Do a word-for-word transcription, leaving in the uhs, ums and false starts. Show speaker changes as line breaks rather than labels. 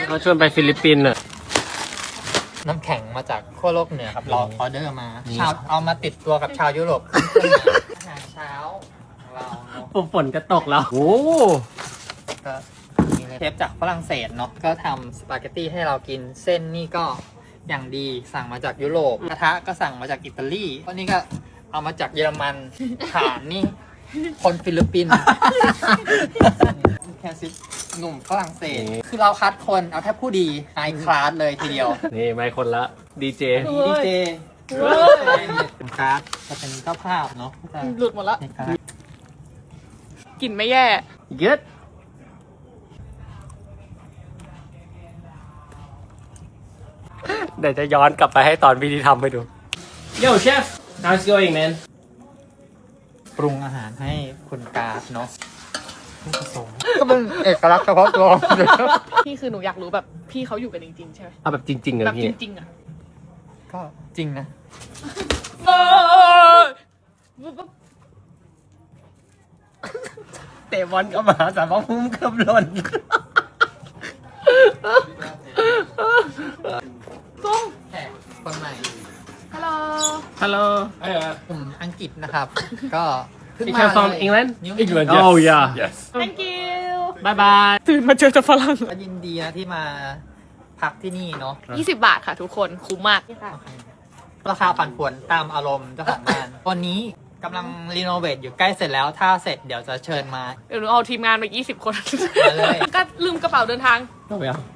เขาชวนไปฟิลิปปินส์อ่ะ
น้ำแข็งมาจากขั้วโลกเหนือครับเราออเดอร์มาชาวเอามาติดตัวกับชาวยุโรปอาหารเช้าของเราเนาะ
ฝนจะตกแล้วโอ้
ก็เชฟจากฝรั่งเศสเนาะก็ทำสปาเกตตี้ให้เรากินเส้นนี่ก็อย่างดีสั่งมาจากยุโรปกระทะก็สั่งมาจากอิตาลีอันนี้ก็เอามาจากเยอรมันฐานนี่คนฟิลิปปินส์แคซิสหนุ่มฝรั่งเศสคือเราคัดคนเอาแทบผู้ดีไฮคลาสเลยทีเดียว
นี่ไม่คนละดีเจ
ดีเจเป็นการ์ดจะเป็นเจ้าภาพเนาะ
หลุดหมดแล้ว
ในการ์ด
กลิ่นไม่แย่
เย็ดเดี๋ยวจะย้อนกลับไปให้ตอนวิธีทำไปดู Yo chef how's it going man
ปรุงอาหารให้คุณการ์ดเนาะก็เป็นเอกลักษณ์เฉพาะตัว
พี่คือหนูอยากรู้แบบพี่เขาอยู่กันจริงๆใช่ไหม
เอาแบบจริงๆเลย
แบบ
พี่
จริงๆอ่ะ
ก็จริงนะ
เตะบอลก็มาสามพุ่มเกือบหล่น
กุ้ง
แขกคนใหม่
ฮัลโหล
ฮัลโหลเออก
ลุ่มอังกฤษนะครับ ก็เพิ่ง
You
มา
come from
เลย
England
New
England
England
Oh yeah
Yes.
thank you
Bye bye
ตื่นมาเจอแต่ฝรั่ง
ก็ยินดีนะที่มาพักที่นี่เนาะ
ยี่สิบบาทค่ะทุกคนคุ้มมากค่ะ
ราคาผันผวนตามอารมณ์เจ้าของบ้านตอนนี้กำลังรีโนเวทอยู่ใกล้เสร็จแล้วถ้าเสร็จเดี๋ยวจะเชิญมา
เดี๋ยวหนูเอาทีมงานมายี่สิบคน
มาเลย
ก็ลืมกระเป๋าเดินทาง
ต้องไปเอา